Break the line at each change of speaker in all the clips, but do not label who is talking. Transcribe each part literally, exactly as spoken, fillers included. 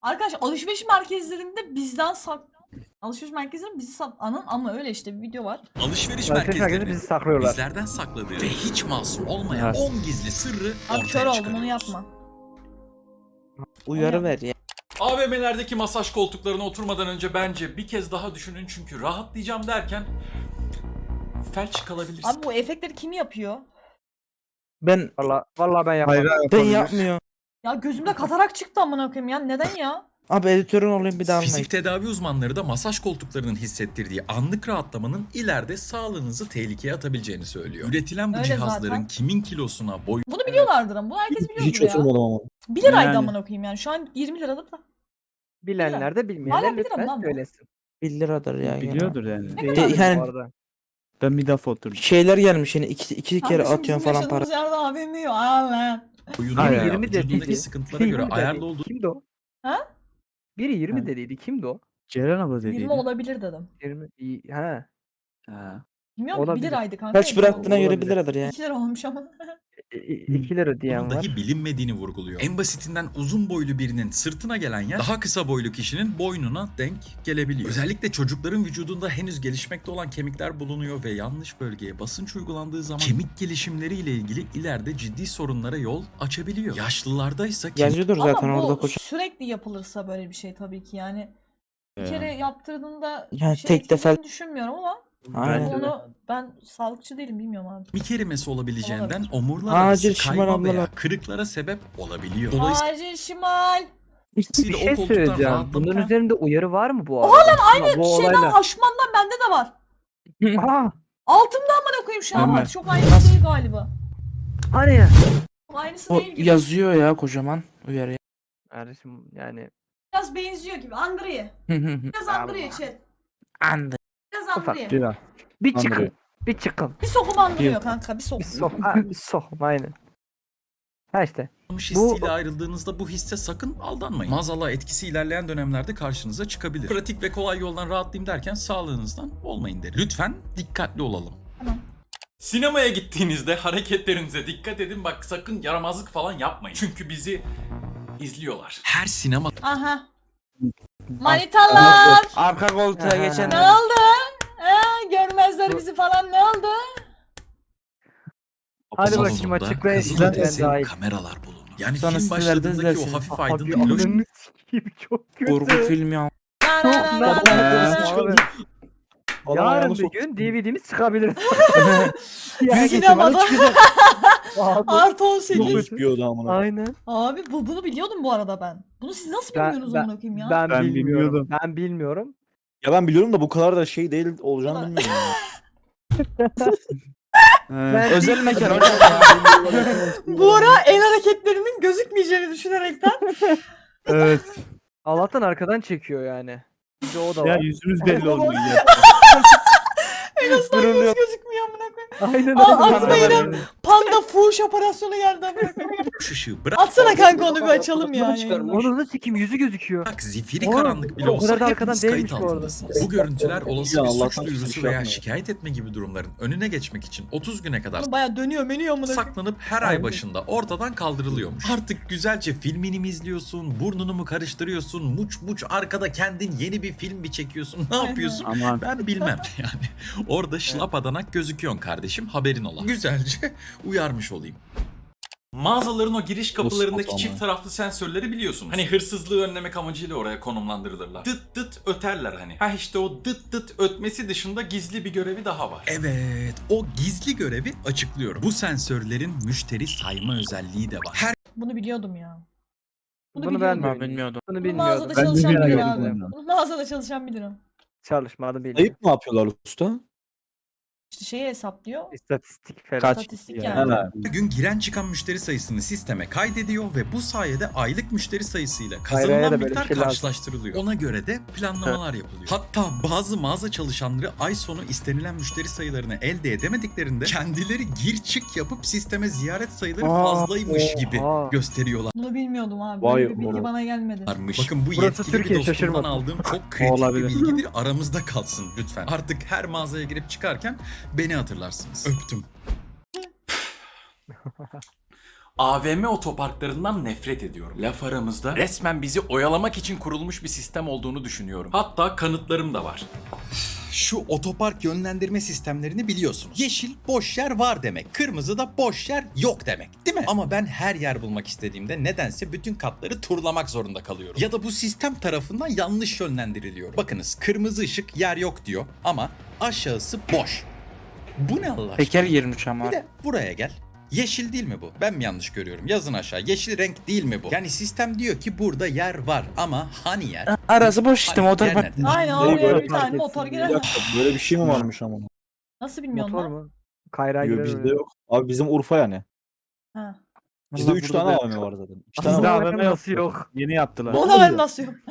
Arkadaş alışveriş merkezlerinde bizden sak... Alışveriş merkezlerinde bizi sak... Anın ama öyle işte bir video var.
Alışveriş
Alışveriş
merkezlerinin
bizi saklıyorlar.
bizlerden sakladığı ve hiç masum olmayan
Evet.
on gizli sırrı
Abi kör
ortaya
oldum onu
çıkarıyoruz.
yapma.
Uyarı ver ya.
A V M'lerdeki masaj koltuklarına oturmadan önce bence bir kez daha düşünün çünkü rahatlayacağım derken felç kalabilirsin.
Abi bu efektleri kim yapıyor?
Ben
Valla valla ben yapmam.
ben yapmıyorum.
Ya gözümde katarak çıktı amına koyayım ya. Neden ya?
Abi editörün olayım bir daha almayın.
Fizik tedavi uzmanları da masaj koltuklarının hissettirdiği anlık rahatlamanın ileride sağlığınızı tehlikeye atabileceğini söylüyor. Üretilen bu
Öyle
cihazların
zaten.
kimin kilosuna, boy
Bunu biliyorlardır ama. Bunu herkes biliyordur
Hiç
ya.
oturmadım ama.
bir liraydı
Yani.
amına koyayım yani. Şu an yirmi liradır da.
Bilenler de
Hala
bilmeyenler
bilirim
lütfen
lan bu.
söylesin.
bir liradır ya. gene.
Biliyordur yani.
Ne
Değil
kadar?
yani-
bu arada.
Ben bir defa oturdum.
Şeyler gelmiş yine iki, iki kere
Kardeşim
atıyorsun
bizim
falan para.
yaşadığımız yerde A V M yok. Aa,
boyuna
Hayır,
veya
yirmi
vücudundaki
dediydi.
sıkıntılara göre
yirmi
ayarlı
dedi.
olduğu
Kimdi o?
Ha?
Biri yirmi
Ha.
dediydi. Kimdi o?
Ceren abla dediydi.
yirmi olabilir dedim.
yirmi. İyi. Ha.
Ha.
Bilmiyorum ki bir
Olabilir.
liraydı kanka.
Kaç bıraktığına göre
Olabilir.
bir liradır ya.
iki lira olmuş ama.
iki lira
bunun
diyen var.
dahi bilinmediğini vurguluyor. En basitinden uzun boylu birinin sırtına gelen yer daha kısa boylu kişinin boynuna denk gelebiliyor. Özellikle çocukların vücudunda henüz gelişmekte olan kemikler bulunuyor ve yanlış bölgeye basınç uygulandığı zaman kemik gelişimleriyle ilgili ileride ciddi sorunlara yol açabiliyor. Yaşlılarda ise kemik
Yazıyordur zaten
ama
orada
bu
koç.
sürekli yapılırsa böyle bir şey tabii ki yani. Bir
Ee,
kere yaptırdığında
Yani
bir şey
tek defa-
etkilediğini düşünmüyorum ama
Aynen.
Bence de.
onu ben sağlıkçı değilim bilmiyorum abi.
kemik erimesi olabileceğinden
Olabilir.
omurlar arası
Acil şişman
kayma veya
ablalar.
kırıklara sebep olabiliyor. Dolayısıyla
Acil şimal.
Bir
o
şey
koltuktan
söyleyeceğim.
rahatlamak-
Bunun üzerinde uyarı var mı bu arada? Oha lan aynı bu
Şeyden
olayla.
aşmandan bende de var.
Aa,
Altımda amına koyayım şu an
Hemen.
var. Çok aynısı değil galiba.
hani ya?
Çok aynısı
O
değil gibi.
yazıyor ya kocaman uyarı.
Kardeşim yani
Biraz benziyor gibi. Andriye. Biraz Andriye chat.
Andı.
Biraz
Ufak
Andriye.
Ceren.
bir çıkın.
Andrei.
Bir çıkın.
Bir sokum andırıyor kanka. Bir sokum.
Bir sok. Ha, bir sok. Aynen. Ha işte.
hissiyle ayrıldığınızda bu hisse sakın aldanmayın. Maazallah etkisi ilerleyen dönemlerde karşınıza çıkabilir. Pratik ve kolay yoldan rahatlayayım derken sağlığınızdan olmayın derim. Lütfen dikkatli olalım.
Tamam.
Sinemaya gittiğinizde hareketlerinize dikkat edin. Bak sakın yaramazlık falan yapmayın. Çünkü bizi izliyorlar. Her sinema
Aha. Manitalar.
Arka koltuğa
Aha.
geçen.
Ne oldu? Ha, görmezler bizi falan ne oldu?
Hadi bakayım
salonunda
açıklayın.
kızılötesi
Ben dahil.
kameralar bulunur. Yani
Sonra
film
sizler de
başladığındaki o
izlersiniz.
hafif
Abi
aydınlık loş
ananı sikeyim çok kötü.
Kurgu film ya.
Na, na, na, na,
Ben-
na, na.
Abi,
Adam
yarın
ayağını
bir
soktu.
gün D V D'miz çıkabilir.
Sinemada.
Abi,
Artı on sekiz.
Çok çıkıyordu amına.
aynen.
Abi bu, bunu biliyordum bu arada ben. Bunu siz nasıl
Ben-
bilmiyorsunuz
ben-
amına koyayım ya?
Ben,
Ben
bilmiyorum.
bilmiyordum.
Ben bilmiyorum.
Ya ben biliyorum da bu kadar da şey değil olacağını bilmiyorum. ya.
He.
Özel mekan hocam ya.
Bu ara el hareketlerinin gözükmeyeceğini düşünerekten.
Evet.
Allah'tan arkadan çekiyor yani. Bir de o da
Ya
var.
yüzümüz belli olmuyor ya.
En azından göz
Duruluyor.
gözükmüyor amına koyayım.
Aynen
Aa,
öyle.
atma yine. Panda fuhuş operasyonu geldi amına koyayım.
ışığı bırak.
Atsana kanka onu bir açalım ya. yayında.
Onu da sikeyim yüzü gözüküyor.
Bak zifiri
Oğlum,
karanlık bile
o kadar
olsa
da arkadan
hepiniz kayıt
değilmiş bu arada.
altındasınız. Bu görüntüler olası
Ya
bir
Allah'tan
suç duyurusu
şey
veya
yapma.
şikayet etme gibi durumların önüne geçmek için otuz güne kadar
Bunu baya dönüyor menüyor amına koyayım.
saklanıp her ay başında ortadan kaldırılıyormuş. Artık güzelce filmini mi izliyorsun, burnunu mu karıştırıyorsun, muç muç arkada kendin yeni bir film mi çekiyorsun, ne yapıyorsun?
Aman.
Ben bilmem yani. Orada şlapadanak gözüküyorsun kardeşim, haberin ola. Güzelce uyarmış olayım. Mağazaların o giriş kapılarındaki
Nasıl
çift taraflı sensörleri biliyorsun. Hani hırsızlığı önlemek amacıyla oraya konumlandırılırlar. Dıt dıt öterler hani. Ha işte o dıt dıt ötmesi dışında gizli bir görevi daha var. Evet, o gizli görevi açıklıyorum. Bu sensörlerin müşteri sayma özelliği de var. Her
Bunu biliyordum ya. Bunu,
Bunu
biliyordum.
ben
Ben bilmiyordum.
Bunu
Bunu
bilmiyordum.
mağazada
Ben de
çalışan
merak
bilir
ettim
abi.
bunu.
Bunu mağazada çalışan bilir o.
Çalışmadı bilmiyorum.
Ayıp mı yapıyorlar usta?
İşte şeyi hesaplıyor.
İstatistik falan.
Kaç?
İstatistik
Yani.
yani.
Ha.
gün giren çıkan müşteri sayısını sisteme kaydediyor ve bu sayede aylık müşteri sayısıyla
Hayraya da
kazanılan
böyle
miktar
bir şey lazım.
karşılaştırılıyor. Ona göre de planlamalar yapılıyor. Hatta bazı mağaza çalışanları ay sonu istenilen müşteri sayılarını elde edemediklerinde kendileri gir çık yapıp sisteme ziyaret sayıları
Aa,
fazlaymış gibi
oha.
gösteriyorlar.
Bunu bilmiyordum abi.
Vay
Böyle bir bilgi
oğlum.
bana gelmedi.
Bakın bu
Burası
yetkili bir
Türkiye,
dostumdan
şaşırmadım.
aldığım çok kritik bir
Olabilir.
bilgidir. Aramızda kalsın lütfen. Artık her mağazaya girip çıkarken beni hatırlarsınız. Öptüm. A V M otoparklarından nefret ediyorum. Laf aramızda resmen bizi oyalamak için kurulmuş bir sistem olduğunu düşünüyorum. Hatta kanıtlarım da var. Şu otopark yönlendirme sistemlerini biliyorsunuz. Yeşil boş yer var demek. Kırmızı da boş yer yok demek. Değil mi? Ama ben her yer bulmak istediğimde nedense bütün katları turlamak zorunda kalıyorum. Ya da bu sistem tarafından yanlış yönlendiriliyorum. Bakınız kırmızı ışık yer yok diyor ama aşağısı boş. Bu ne Allah aşkına?
Teker yirmi üç ama.
Bir de buraya gel. Yeşil değil mi bu? Ben mi yanlış görüyorum? Yazın aşağı. Yeşil renk değil mi bu? Yani sistem diyor ki burada yer var ama hani yer?
Arası boş işte
Hani
motor
yer
bak.
nerede?
Aynen
Neyi
oraya
böyle
bir tane
fark
motor
etsin
Bir
girer.
dakika böyle bir şey mi varmış ama?
Nasıl bilmiyorsun
Motor
lan?
mu? Kayra
Yo,
girer
bizde
oraya.
yok. Abi bizim Urfa yani.
Ha.
Bizde
Allah
üç
burada
tane
da-
A V M var zaten. İki
Bizde
tane
A
var.
V M nasıl yok?
Yeni yaptılar.
Ona ben nasıl yok?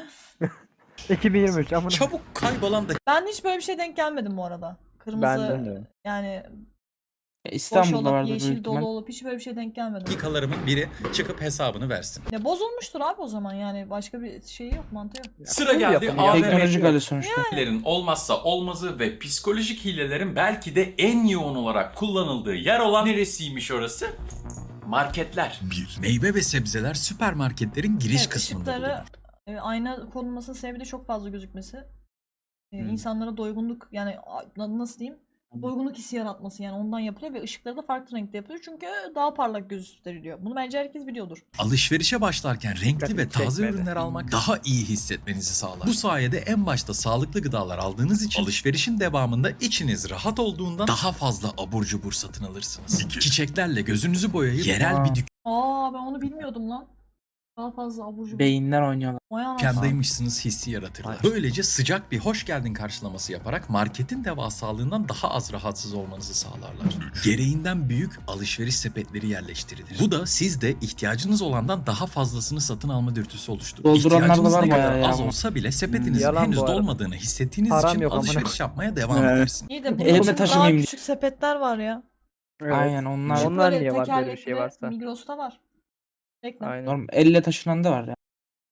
iki bin yirmi üç amına.
Çabuk kaybolan
Ben hiç böyle bir şey denk gelmedim bu arada. Kırmızı
Ben
de.
yani
E,
boş
İstanbul'da
olup
vardı
yeşil
büyük
dolu
ihtimal.
olup hiç böyle bir şey denk gelmedim.
dakikalarımın biri çıkıp hesabını versin.
Ya bozulmuştur abi o zaman yani başka bir şeyi yok mantığı yok.
Sıra geldi
yapın
A
ya.
V
Teknolojik
M
hali sonuçta.
hilelerin olmazsa olmazı ve psikolojik hilelerin belki de en yoğun olarak kullanıldığı yer olan neresiymiş orası? Marketler. Bir. Meyve ve sebzeler süpermarketlerin giriş
Evet,
kısmında
ışıkları,
bulunur.
e, ayna konulmasının sebebi de çok fazla gözükmesi. E,
Hmm.
insanlara doygunluk yani a- nasıl diyeyim? Doygunluk hissi yaratması yani ondan yapılıyor ve ışıkları da farklı renkte yapılıyor çünkü daha parlak gösteriliyor. Bunu bence herkes biliyordur.
Alışverişe başlarken renkli
Dikkatimi
ve taze
çekmedi.
ürünler almak daha iyi hissetmenizi sağlar. Bu sayede en başta sağlıklı gıdalar aldığınız için alışverişin devamında içiniz rahat olduğundan daha fazla abur cubur satın alırsınız. Çiçeklerle gözünüzü boyayıp yerel bir
Aa ben onu bilmiyordum lan. Daha fazla abur cubur.
Beyinler oynuyorlar.
Vay anasını.
dükkandaymışsınız hissi yaratırlar. Böylece sıcak bir hoş geldin karşılaması yaparak marketin devasalığından daha az rahatsız olmanızı sağlarlar. Gereğinden büyük alışveriş sepetleri yerleştirilir. Bu da sizde ihtiyacınız olandan daha fazlasını satın alma dürtüsü oluşturur.
Dolduranlar da
İhtiyacınız
var
ne
bayağı
kadar
ya
az
bu.
olsa bile sepetinizin
Yalan
henüz
bu arada.
dolmadığını hissettiğiniz
Param
için
yok amına
alışveriş yapmaya devam
Evet.
edersin.
İyi de bunun
Elimde
için daha
taşımayayım diye.
küçük sepetler var ya.
Evet.
Aynen onlar.
Onlar- Onlar
Böyle
niye var böyle bir şey
tekerlekli
varsa?
Migros'ta var. Bekle.
Aynen.
Normal elle taşınan da var ya.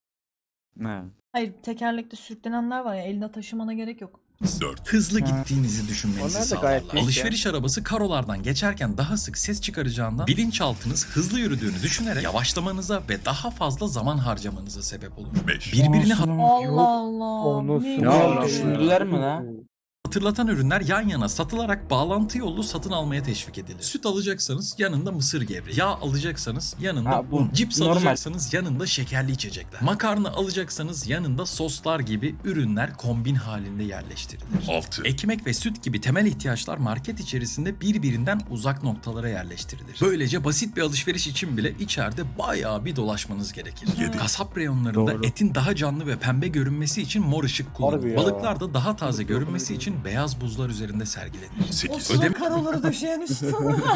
Ha.
Hayır tekerlekli sürüklenenler var ya elinde taşımana gerek yok.
dört. Hızlı
Ha.
gittiğinizi düşünmenizi
Onlar da gayet
sağlarlar.
iyi
Alışveriş arabası karolardan geçerken daha sık ses çıkaracağından bilinçaltınız hızlı yürüdüğünü düşünerek yavaşlamanıza ve daha fazla zaman harcamanıza sebep olur. Birbirini
Olsun.
Allah Allah.
Onu
ne
su-
Ya
güzel.
Allah.
Düşündüler mi la?
hatırlatan ürünler yan yana satılarak bağlantı yollu satın almaya teşvik edilir. Süt alacaksanız yanında mısır gevreği. Yağ alacaksanız yanında
Ha, bu
un. Cips
normal.
alacaksanız yanında şekerli içecekler. Makarna alacaksanız yanında soslar gibi ürünler kombin halinde yerleştirilir. altı. Ekmek ve süt gibi temel ihtiyaçlar market içerisinde birbirinden uzak noktalara yerleştirilir. Böylece basit bir alışveriş için bile içeride bayağı bir dolaşmanız gerekir.
yedi.
Kasap reyonlarında
Doğru.
etin daha canlı ve pembe görünmesi için mor ışık kullanılır.
Harbi ya.
Balıklar da daha taze görünmesi için beyaz buzlar üzerinde sergilenir.
O sıra
Ödeme
karoları döşeyen üstü.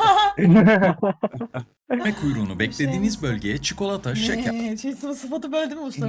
kuyruğunu beklediğiniz bölgeye çikolata, şeker,
Ne? Şey sıvı sıfatı böldü mü usta?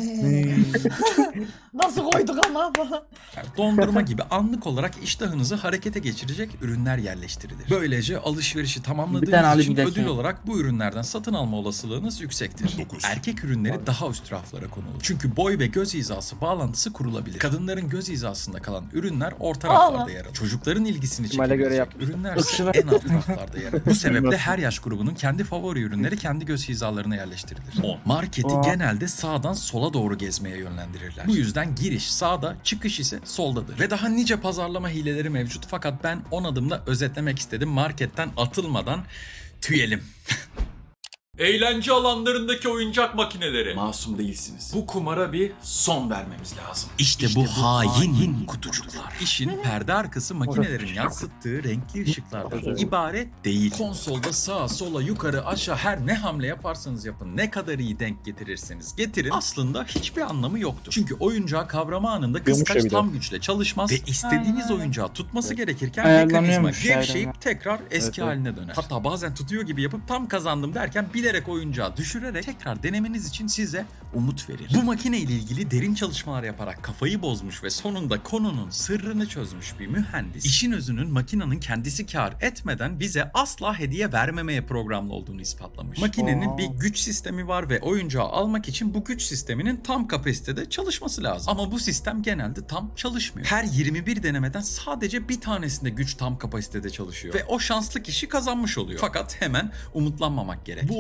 Nasıl koyduk ama falan.
dondurma gibi anlık olarak iştahınızı harekete geçirecek ürünler yerleştirilir. Böylece alışverişi
Bir tane
tamamladığınız
alayım
için
bir dakika.
ödül olarak bu ürünlerden satın alma olasılığınız yüksektir. Erkek ürünleri daha üst raflara konulur. Çünkü boy ve göz hizası bağlantısı kurulabilir. Kadınların göz hizasında kalan ürünler orta
Allah.
raflarda yer alır. Çocukların ilgisini
İhtimale göre
çekebilecek ürünler ise
Işığı-
en alt raflarda yer alır. Bu sebeple her yaş grubunun kendi favori ürünleri kendi göz hizalarına yerleştirilir. on. Marketi
Aa.
genelde sağdan sola doğru gezmeye yönlendirirler. Bu yüzden giriş sağda, çıkış ise soldadır. Ve daha nice pazarlama hileleri mevcut fakat ben on adımda özetlemek istedim. Marketten atılmadan tüyelim. Eğlence alanlarındaki oyuncak makineleri. Masum değilsiniz. Bu kumara bir son vermemiz lazım. İşte, bu hain kutucuklar. İşin perde arkası makinelerin yansıttığı renkli ışıklardan ibaret değil. Konsolda sağa sola yukarı aşağı her ne hamle yaparsanız yapın, ne kadar iyi denk getirirseniz getirin aslında hiçbir anlamı yoktur. Çünkü oyuncağı kavrama anında kıskaç
bir de.
tam güçle çalışmaz ve istediğiniz
Aynen öyle.
oyuncağı tutması gerekirken
Ayarlanıyormuş
mekanizma
aynen.
gevşeyip tekrar eski
Evet,
haline döner. Hatta bazen tutuyor gibi yapıp tam kazandım derken bilerek oyuncağı düşürerek tekrar denemeniz için size umut verir. Bu makine ile ilgili derin çalışmalar yaparak kafayı bozmuş ve sonunda konunun sırrını çözmüş bir mühendis, işin özünün makinenin kendisi kar etmeden bize asla hediye vermemeye programlı olduğunu ispatlamış. Makinenin
Aa.
bir güç sistemi var ve oyuncağı almak için bu güç sisteminin tam kapasitede çalışması lazım. Ama bu sistem genelde tam çalışmıyor. Her yirmi bir denemeden sadece bir tanesinde güç tam kapasitede çalışıyor. Ve o şanslı kişi kazanmış oluyor. Fakat hemen umutlanmamak gerek. Bu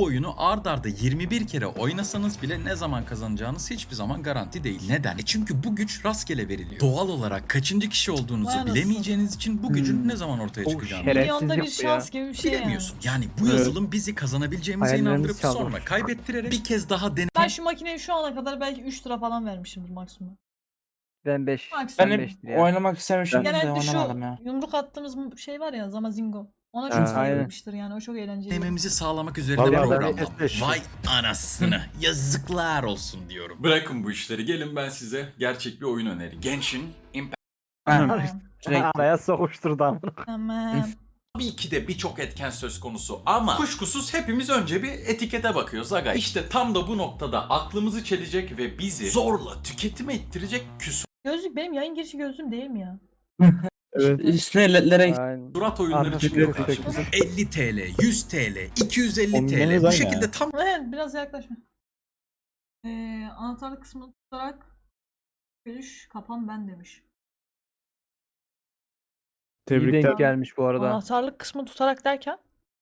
oyunu ard arda yirmi bir kere oynasanız bile ne zaman kazanacağınız hiçbir zaman garanti değil. Neden? E çünkü bu güç rastgele veriliyor. Doğal olarak kaçıncı kişi olduğunuzu
Vay anasını.
bilemeyeceğiniz için bu gücün
Hmm.
ne zaman ortaya
O
çıkacağını
şeref-
Milyonda bir
Şerefsiz yaptı
şans gibi bir şey yani.
bilemiyorsun. Yani bu
Evet.
yazılım bizi kazanabileceğimize
Hayallerimizi
inandırıp
çaldı.
sonra kaybettirerek bir kez daha
Ben şu makineye şu ana kadar belki üç lira falan vermişimdir maksimum.
Ben beş.
Maksimum.
Ben
Ben
hep
beştir ya.
oynamak istemişim de
Genelde şu
oynamadım ya.
yumruk attığımız mu- şey var ya Zamazingo. Ona
Ha,
çok
aynen.
sayılmıştır yani. O çok eğlenceli.
denememizi sağlamak üzerine
Vallahi ben
programlanmış.
de-
Vay anasını. Yazıklar olsun diyorum. Bırakın bu işleri. Gelin ben size gerçek bir oyun önereyim. Genshin Impact.
Ha,
Tamam.
sürekli.
Araya sokuşturdu ama.
Tamam.
Tabii ki de birçok etken söz konusu ama kuşkusuz hepimiz önce bir etikete bakıyoruz aga. İşte tam da bu noktada aklımızı çelecek ve bizi zorla tüketime ittirecek
Gözlük benim yayın girişi gözlüğüm değil mi ya?
Evet.
Üstüne ledlere
Aynen.
küsurat oyunları
Arkası
çıkıyor
yok,
karşımıza. elli TL, yüz TL, iki yüz elli
Onların
TL bu
aynı
şekilde
ya.
tam
Evet biraz yaklaşma. Ee, anahtarlık kısmını tutarak görüş kapan ben demiş.
İyi denk
Tebrikler.
gelmiş bu arada.
Anahtarlık kısmını tutarak derken?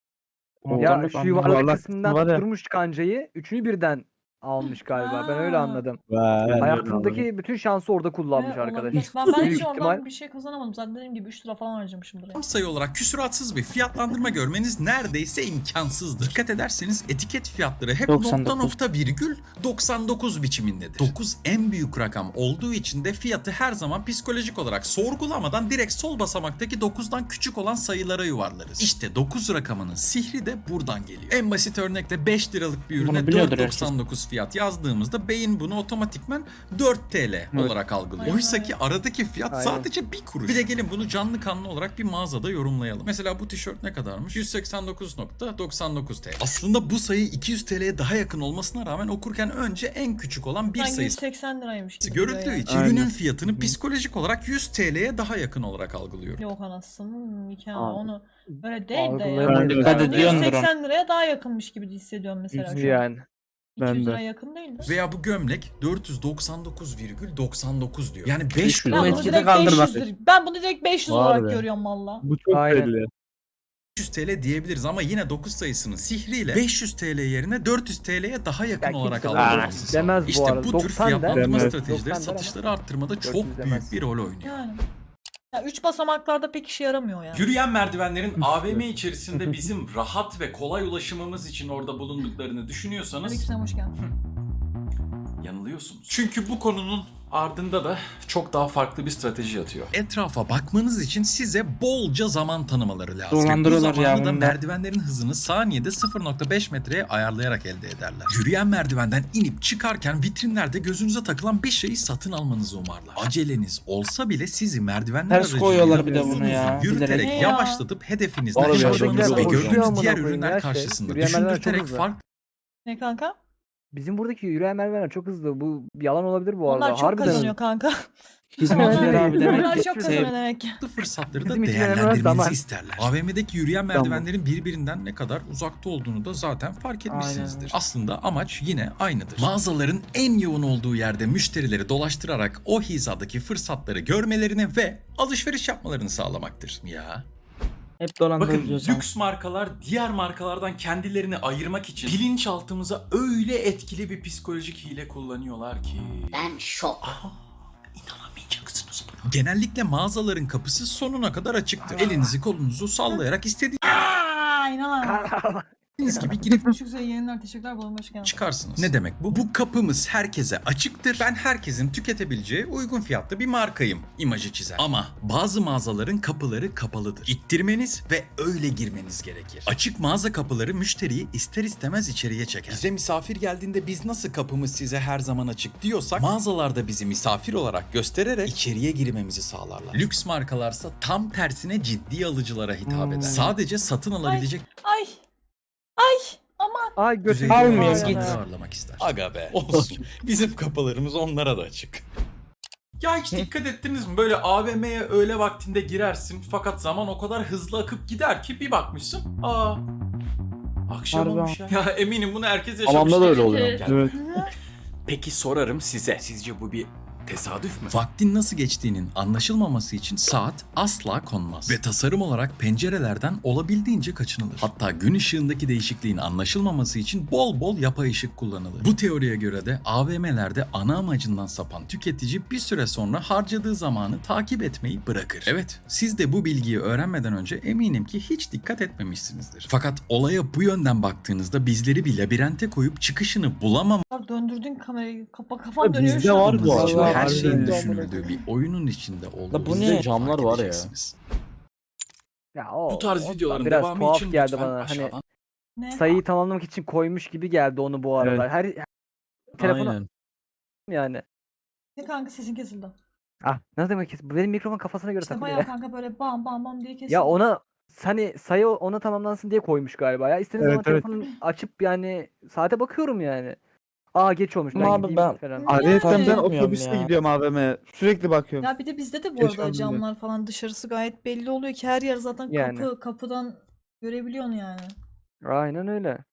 Ya
Anahtarlık
şu
anlamadım.
yuvarlak
Yuvarlak
kısmından
kısmı var ya.
tutturmuş kancayı. Üçünü birden almış galiba. Ben öyle
Ha.
anladım.
Vay,
Hayatındaki bütün şansı orada kullanmış
Ee,
arkadaş.
olabilir. Ben, ben hiç
Büyük
oradan
ihtimal.
bir şey kazanamadım. Zaten dediğim gibi üç lira falan harcamışımdır. Yani.
sayı olarak küsuratsız bir fiyatlandırma görmeniz neredeyse imkansızdır. Dikkat ederseniz etiket fiyatları hep
doksan
nokta
dokuz.
nokta virgül doksan dokuz biçimindedir. dokuz en büyük rakam olduğu için de fiyatı her zaman psikolojik olarak sorgulamadan direkt sol basamaktaki dokuzdan küçük olan sayılara yuvarlarız. İşte dokuz rakamının sihri de buradan geliyor. En basit örnekle beş liralık bir
Bunu
ürüne
biliyordur
dört doksan dokuz fiyat yazdığımızda beyin bunu otomatikman dört TL olarak algılıyor.
Aynen
Oysa
öyle.
ki aradaki fiyat
Aynen.
sadece bir kuruş. Bir de gelin bunu canlı kanlı olarak bir mağazada yorumlayalım. Mesela bu tişört ne kadarmış? yüz seksen dokuz nokta doksan dokuz T L. Aslında bu sayı iki yüz T L'ye daha yakın olmasına rağmen okurken önce en küçük olan bir
Sanki
sayısı
yüz seksen liraymış gibi duruyor
görüldüğü
yani.
için
Aynen.
ürünün fiyatını psikolojik olarak yüz T L'ye daha yakın olarak algılıyorum.
Yok anasının nikahı
Aa.
onu böyle değil de ya.
Algılayamayız
Dikkat
yani.
ediyordur.
yüz seksen liraya daha yakınmış gibi hissediyorum mesela şu an.
Yani.
Ben
iki yüz
de.
liraya yakın değil mi?
Veya bu gömlek dört yüz doksan dokuz virgül doksan dokuz diyor. Yani beş
Bu
Ben bunu
etkide
direkt
kaldır
beş
bak.
yüzdür. Ben bunu direkt beş yüz
Var
olarak
be.
görüyorum valla.
Bu çok
Aynen.
belli.
yüz T L diyebiliriz ama yine dokuz sayısının sihriyle beş yüz T L yerine dört yüz T L'ye daha yakın
Ya
olarak
kimse
algılamamızı
dokuz
sağlıyor.
demez bu
İşte
arada.
bu tür
doksan der.
fiyatlandırma
Demez.
stratejileri
doksan der ama
satışları arttırmada
dört yüz
çok büyük
demez.
bir rol oynuyor.
Yani. Ya üç basamaklarda pek işe yaramıyor yani.
Yürüyen merdivenlerin A V M içerisinde bizim rahat ve kolay ulaşımımız için orada bulunduklarını düşünüyorsanız
Aleykümselam hoş geldin.
yanılıyorsunuz. Çünkü bu konunun ardında da çok daha farklı bir strateji yatıyor. Etrafa bakmanız için size bolca zaman tanımaları lazım.
Dolandırıyorlar
Bu
ya
zamanı da
bunu da.
merdivenlerin hızını saniyede sıfır nokta beş metreye ayarlayarak elde ederler. Yürüyen merdivenden inip çıkarken vitrinlerde gözünüze takılan bir şeyi satın almanızı umarlar. Aceleniz olsa bile sizi merdivenler
Ters
aracılığıyla
koyuyorlar bir de
uzun
bunu
uzun
ya,
Yürüterek
bilerek.
yavaşlatıp hedefinizden
Var ya,
şaşmanız ve
oradakiler
gördüğünüz
koşuyor
diğer
amına koyayım
ürünler
ya şey.
karşısında
Yürüyen merdiven çok
düşündürterek
hızlı.
farklı
Ne kanka?
Bizim buradaki yürüyen merdivenler çok hızlı. Bu yalan olabilir bu arada.
Onlar çok
Harbiden.
kazanıyor kanka.
Hizmetçiler abi demek
Onlar
ki
çok
şey,
kazanıyor demek ki.
fırsatları da
Bizim için
değerlendirmenizi
önemli olan
isterler. A V M'deki yürüyen
Tamam.
merdivenlerin birbirinden ne kadar uzakta olduğunu da zaten fark etmişsinizdir.
Aynen.
Aslında amaç yine aynıdır. Mağazaların en yoğun olduğu yerde müşterileri dolaştırarak o hizadaki fırsatları görmelerini ve alışveriş yapmalarını sağlamaktır. Ya.
hep
Bakın
dolandırılıyoruz.
lüks markalar diğer markalardan kendilerini ayırmak için bilinçaltımıza öyle etkili bir psikolojik hile kullanıyorlar ki.
Ben şok.
Aa, inanamayacaksınız buna. Genellikle mağazaların kapısı sonuna kadar açıktır. Elinizi kolunuzu sallayarak istediğiniz
Aaa inanamıyorum.
gibi girip
Çok güzel yayınlar teşekkürler bana hoş geldin.
çıkarsınız. Ne demek bu? Bu kapımız herkese açıktır. Ben herkesin tüketebileceği uygun fiyatlı bir markayım imajı çizer. Ama bazı mağazaların kapıları kapalıdır. İttirmeniz ve öyle girmeniz gerekir. Açık mağaza kapıları müşteriyi ister istemez içeriye çeker. Bize misafir geldiğinde biz nasıl kapımız size her zaman açık diyorsak mağazalarda bizi misafir olarak göstererek içeriye girmemizi sağlarlar. Lüks markalarsa tam tersine ciddi alıcılara hitap
Hmm.
eder. Sadece satın alabilecek
Ay. Ay. Aman.
Ay götü.
düzeyde
Almıyor,
olan
git.
insanları ağırlamak ister. Aga be olsun. Bizim kapılarımız onlara da açık. Ya hiç dikkat ettiniz mi? Böyle A V M'ye öğle vaktinde girersin fakat zaman o kadar hızlı akıp gider ki bir bakmışsın. Aa. Akşam
Harbi
olmuş ya. Ya eminim bunu herkes yaşamıştır.
Hamamda da öyle
Evet,
oluyor.
evet.
Evet.
Peki sorarım size. Sizce bu bir Tesadüf mü? Vaktin nasıl geçtiğinin anlaşılmaması için saat asla konmaz. Ve tasarım olarak pencerelerden olabildiğince kaçınılır. Hatta gün ışığındaki değişikliğin anlaşılmaması için bol bol yapay ışık kullanılır. Bu teoriye göre de A V M'lerde ana amacından sapan tüketici bir süre sonra harcadığı zamanı takip etmeyi bırakır. Evet, siz de bu bilgiyi öğrenmeden önce eminim ki hiç dikkat etmemişsinizdir. Fakat olaya bu yönden baktığınızda bizleri bir labirente koyup çıkışını bulamam
Abi döndürdün kamerayı. Kapa kafam
Ya
dönüyor
bizde
şu an.
var bu
için
arada.
her
Harbiden
şeyin
de
düşünüldüğü bir oyunun içinde
La
olduğu
bu
bizde
ne? Camlar var ya.
Ya o,
Bu tarz
o
videoların
biraz
devamı
tuhaf
için
geldi
lütfen
bana. Hani
aşağıdan
Ne?
sayıyı tamamlamak için koymuş gibi geldi onu bu aralar. Her, her telefonu
Aynen.
yani.
Ne kanka sesin kesildi.
Ah ne demek ki? Bu benim mikrofon kafasına göre
İşte
takılıyor
bayağı
ya.
kanka böyle bam bam bam diye kesildi.
Ya ona hani sayı ona tamamlansın diye koymuş galiba ya. İstediğim
Evet,
zaman
evet.
telefonu açıp yani saate bakıyorum yani. Aa geç olmuş ben
Ama abi
gideyim
ben-
falan.
Ayrıca
Yani.
ben
Etmiyorum
otobüste
ya.
gidiyorum A V M'ye. Sürekli bakıyorum.
Ya bir de bizde de bu
Geç
arada
kaldım diye.
camlar falan dışarısı gayet belli oluyor ki her yer zaten
Yani.
kapı kapıdan görebiliyorsun yani.
Aynen öyle.